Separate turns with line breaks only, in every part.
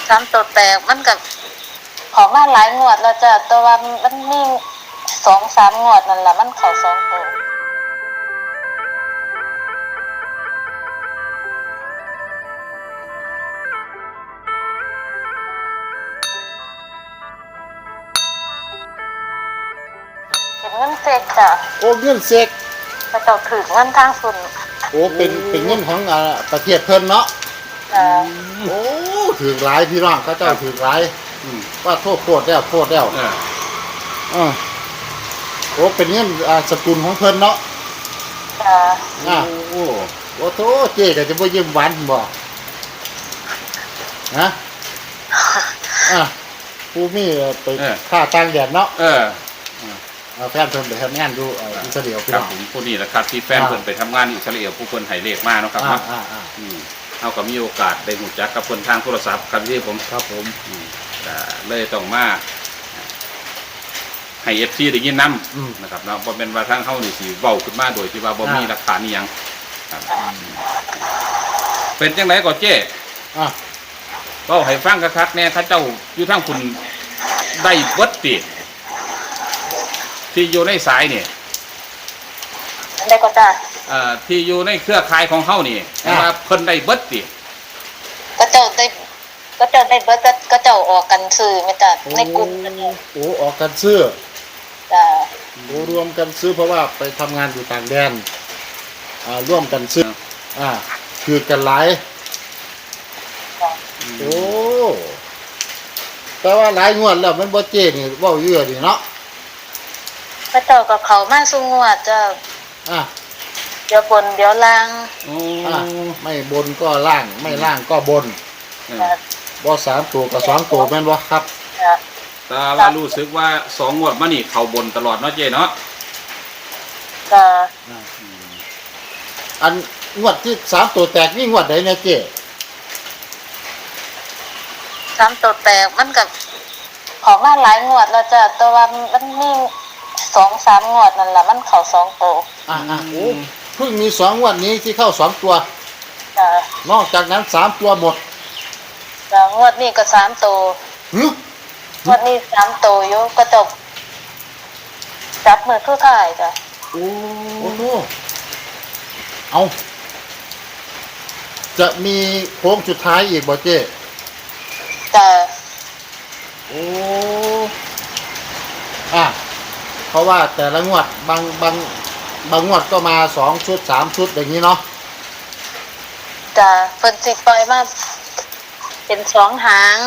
สามตัวแตกมันกับของมาหลายงวดแล้วจ้ะแต่ว่ามันมี2-3งวดนั่นแหละมันเข้า2ตัวเป็นเงินเสกจ้ะ
โอ้เงินเสก
กระเจ้าถือเงินทางสุน
โอ้เป็นเงินของประเทศเพิ่นเนาะโอ้ถือหลายพี่น้องเขาเจ้าถือหลายว่าโทษแล้วโอ้เป็นเงินสกุลของเพิ่นเนาะโอ้โถเจ๊ก็จะบ่ยิ้มหวานบ่ฮะผู้มีไปค่าต่างแดนเนาะแฟนเพิ่นไปทำงานอยู่อิสราเอลพี่น้อง
ผมผู้นี้แหละครับที่แฟนเพิ่นไปทำงานอิสราเอลผู้เพิ่นให้เลขมาเนาะครับเนาะเอาก็มีโอกาสได้รู้จักกับเพิ่นทางโทรศัพท์ครับที่ผม
ครับผม
เลยต้องมาให้ FC ได้ยินนำนะครับเนาะบ่แม่นว่าทางเฮานี่สิเว้าขึ้นมาโดยที่ว่าบ่มีหลักฐานอีหยังครับเป็นจังไดก็เจ้เว้าให้ฟังคักๆแน่เขาเจ้าอยู่ทางคุณได้เบิดติที่อยู่ในสายนี่
ได้ก็จ้ะ
ที่อยู่ในเครือข่ายของเฮานี่ว่าเพิ่นได้เบิดติ
ก็เจ้าได้เบิดก็เจ้าออกกันซื้อแม่จ้ะในกลุ่ม
โอ้ออกกันซื้อ
จ้ะ
โอ้รวมกันซื้อเพราะว่าไปทำงานอยู่ต่างแดนร่วมกันซื้อคือกันหลายโอ้แต่ว่าหลายงวดแล้วมันบ่เจ๊นี่เว้าอยู่นี่เนาะ
พระเจ้ากับเขามาสู่งวดจ้ะเดี๋ยวบนเดี๋ยวล่าง
ไม่บนก็ล่างไม่ล่างก็บนบ่3ตัวกับ2ตัวแม่นบ่ครับ
แต่ว่ารู้สึกว่า2งวดมานี่เข้าบนตลอดเนาะเจ๊เนาะ
อันงวดที่3ตัวแตกนี่งวดใดเนี่ยเจ๊
3ตัวแตกมันกับของมาหลายงวดแล้วจ้ะแต่ว่ามันมี2-3งวดนั่นแหละมันเข้า2ตัว
โอ้เพิ่งมี2งวดนี้ที่เข้า2ตัวนอกจากนั้น3ตัวหมด
งวดนี้ก็3ตัวงวดนี้3ตัวอยู่ก็จบจับมือทุกท่ายจ้ะ
โอ้โหเอาจะมีโค้งสุดท้ายอีกบ่เจ๊
จ้ะ
โอ้เพราะว่าแต่ละงวดบางงวดก็มา2ชุด3ชุดอย่างนี้เนาะ
จ้ะเพิ่นสิปล่อยมาเป็น2หาง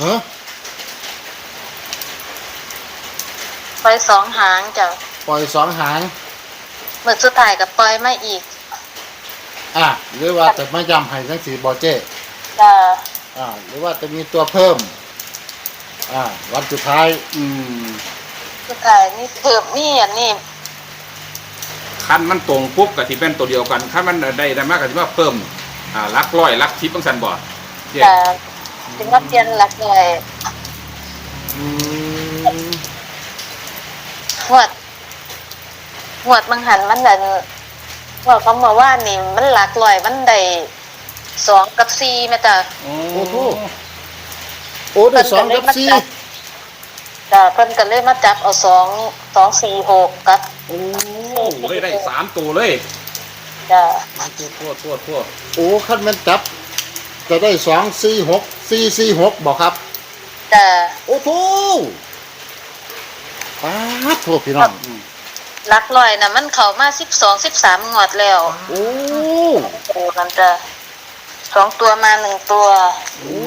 ปล่อย2หางจ้ะ
ปล่อย2หาง
มื้อสุดท้ายก็ปล่อยมาอีก
หรือว่าจะมาย้ำให้จังซี่บ่เจ๊
จ้ะ
หรือว่าจะมีตัวเพิ่มวันสุดท้าย
สุดท้ายนี่เพิ่มนี่อันนี้
คันมันตรงปุ๊บก็สิเป็นตัวเดียวกันคันมันได้มากก็สิว่าเพิ่มหลักร้อยหลัก10จังซั่นบ่
จ้ะสิมาเปลี่ยนหลักร้อยงวดบางหันมันนั่นว่าเขามาว่านี่มันหลักร้อยมันได้2กับ4แม่จ้ะ
โอ้โหได้2กับ4
จ้ะเพิ่นก็เลยมาจับเอา2 4 6กับ
เลยได้3ตัวเลย
จ้ะ
ทั่ว
โอ้คันมันจับจะได้2 4 6 4 4 6บ่ครับ
จ้ะ
โอ้โหโทษพี่น้อง
หลักร้อยน่ะมันเข้ามา12-13งวดแล้ว
โอ้
นั่นจ้ะ2ตัวมา1ตัว
โอ้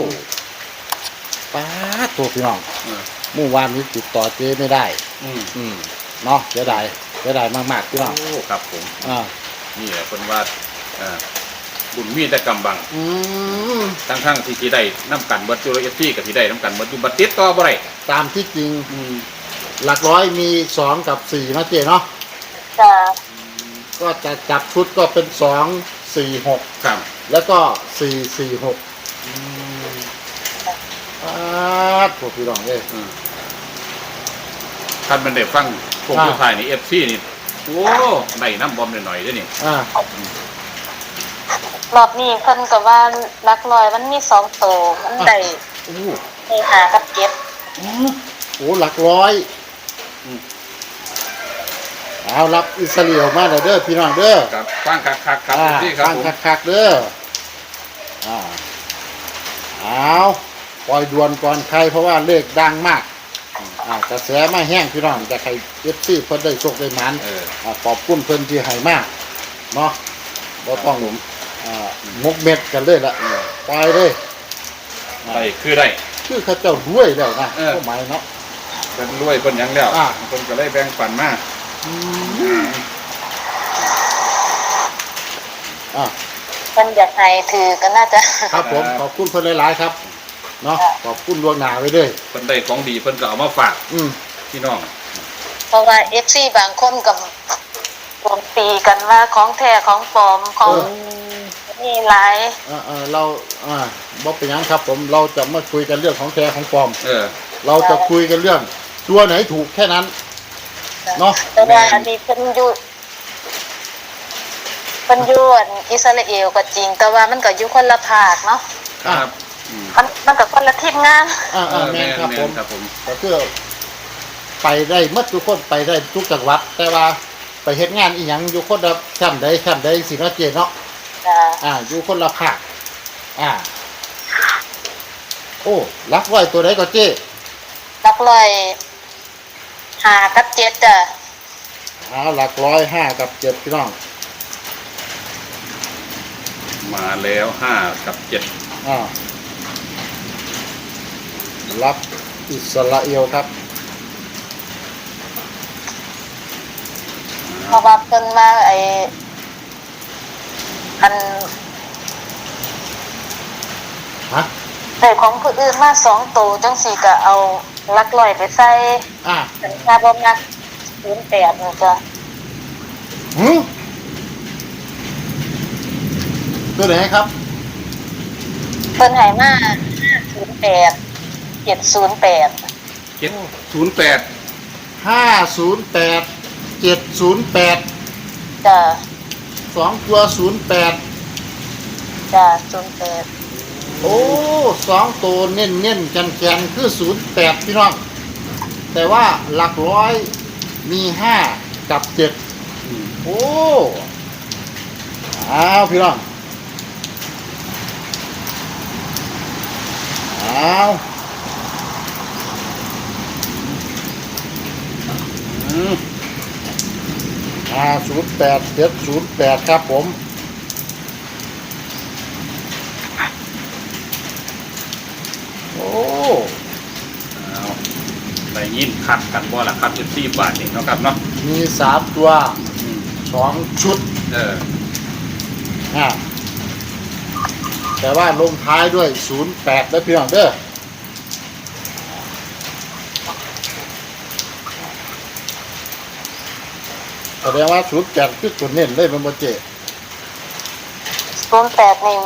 โทษพี่น้องเมื่อวานนี้ติดต่อเจ๊ไม่ได้เนาะเสียดายมากๆพี่น้อง
ครับผมนี่แหละคนว่าบุญมีแต่กำบังทั้งที่ได้น้ำกันเบิดจุลที่กับที่ได้น้ำกันเบิดอยู่บัดติดต่อบ่ได้
ตามที่จริงหลักร้อยมี2กับ4นะเจ๊เนาะ
จ้ะ
ก็จะจับชุดก็เป็น2 4 6
ครับ
แล้วก็4 4 6พวกพี่น้องเลย
ท่านมันได้ฟังพวกผู้ชายนี่FCนี่โอ้ได้น้ำบอมหน่อยๆด้วยนี่
รอบนี้เพิ่นก็ว่าหลักร้อยมันมี2ตัวมันได้
โอ้
ให้หากับเก็บ
โหหลักร้อยเอารับอิสราเอลมาเด้อพี่น้องเด้อ
ครับฟังคักครับ ที่ครับ
ฟัง
ผม
คักๆเด้อเอาปล่อยด่วนก่อนใครเพราะว่าเลขดังมากกระแสมาแห้งพี่น้องจะใครเอฟซีเพิ่นได้โชคได้หมันขอบคุณเพิ่นที่ให้มากเนาะบ่ต้องมกเม็ดกันเลยละปล่อยเลย
ได้คือได้
คือเขาเจ้ารวยแล้วนะก็หมายเนาะ
เป็นรวยเป็นหยังแล้วเพิ่นก็เลยแบ่งปันมา
เพิ่นอยากให้ถือก็น่าจะ
ครับผมขอบคุณเพิ่นหลายๆครับเนาะขอบคุณดวงหนาไว้ด้วย
เพิ่นได้ของดีเพิ่นก็เอามาฝากพี่น้อง
เพราะว่า FC บางคนก็รวมตีกันว่าของแท้ของปลอมของนี่หลาย
เราบ่เป็นหยังครับผมเราจะมาคุยกันเรื่องของแท้ของปลอม เราจะคุยกันเรื่องตัวไหนถูกแค่นั้นเนาะ
แต่ว่าอันนี้เพิ่นอยู่อิสราเอลก็จริง แต่ว่ามันก็อยู่คนละภาคเนาะ
ครับ
มันก็คนละทีมงาน
แม่นครับผมก็คือไปได้หมดทุกคนไปได้ทุกจังหวัด แต่ว่าไปเฮ็ดงานอีหยังอยู่คนละแคมป์ใดสิเนาะเจเนาะอยู่คนละภาคโอ้รักไว้ตัวไหนก็เจ
หลักร้อย5กับ7จ้ะ
หลักร้อย5กับ7พี่น้อง
มาแล้ว5 กับ 7
รับอิสราเอลครับ
เพราะว่าเพิ่นมาอัน ได้ของผู้อื่นมา2ตัวจังสี่ก็เอาหลักร้อยไปใส่เป็นค่าบ่มัก08นี่จ้ะ
ตัวไหนครับ
เพิ่นให้มา508 708
708
508 708
จ้ะ
2ตัว08
จ้ะ08
โอ้2ตัวเน้นๆแกนๆคือ08พี่น้องแต่ว่าหลักร้อยมี5กับ7โอ้พี่น้อง508 708ครับผมโอ้
ได้ยินคัดกันบ่ล่ะครับ14 บาทนี่เนาะครับเนาะ
มี3ตัว2ชุดแต่ว่าลงท้ายด้วย08แล้วพี่น้องเด้อแสดงว่า08คือตัวเน้นเลยมันบ่เจ
08นี่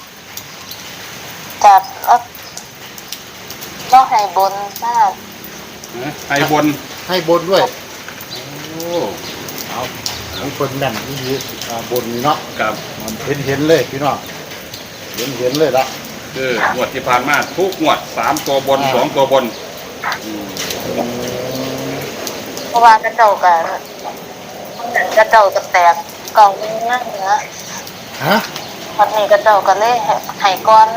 จัดต้องให้บนมาก
ให้บน
ให้บนด้วย
โอ้
เอาของคนแม่นที่บนนี่เนาะ
ครับ
มันเห็นเลยพี่น้องเห็นเลยละ
คืองวดที่ผ่านมาทุกงวด3 ตัวบน 2 ตัวบน
เพราะว่ากระเจ้าก็แตกเก่าเนื้อ วันนี้กระเจ้าก็เลยให้ก่อน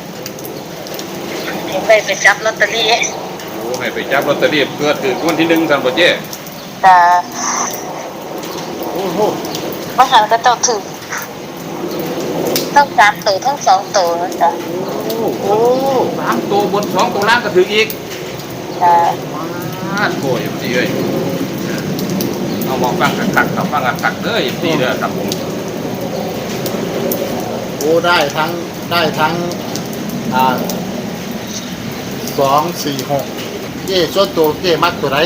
ให้ไปจับลอตเตอรี่
โอ้ให้ไปจับลอตเตอรี่เพื่อถือวันที่1ซั่นบ่เจ้
แต่
โอ้โห
บางครั้งกระเจ้าถือทั้ง3ตัวทั้ง2ตัวนะจ๊ะ
โอ้3 ตัวบน 2 ตัวล่างก็ถืออีก
จ้ะ
โอ้ยดีเลยเอามองฟังคักๆครับฟังคักๆเด้อดีเด้อครับผม
โอ้ได้ทั้ง2 4 6เจ้ส่วนตัวเจ้มักตัวไหน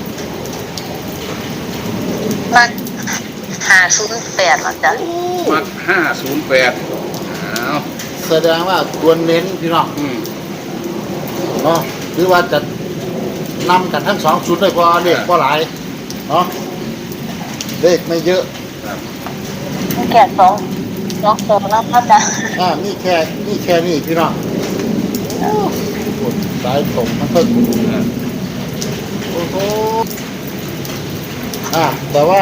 มัก508นะจ๊ะ
มัก508อ้าว
แสดงว่าตัวเน้นพี่น้องเนาะหรือว่าจะนำกันทั้ง2ชุดเลยเพราะเลขก็หลายเนาะเลขไม่เยอะ
ครับ
แค่2 2ตัวนะพระอาจารย์
นี่แค่นี่พี่น้องโอ้โหสายตรงมันเพิ่ง โอ้โหแต่ว่า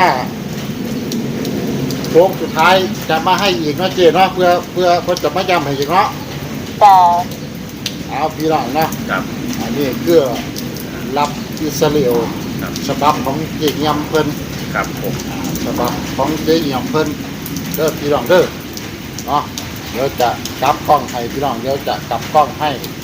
โค้งสุดท้ายจะมาให้อีกเนาะเจเนาะเพื่อจะมาย้ำให้อีกเนาะ
จ้า
เอาพี่น้องเนาะ
ครับ
อันนี้คือรับอิสราเอล
ครับ
ฉบับของเจยำเพิ่น
ครับผม
ฉบับของเจยำเพิ่นเด้อพี่น้องเด้อเนาะเดี๋ยวจะกลับกล้องให้พี่น้องเดี๋ยวจะกลับกล้องให้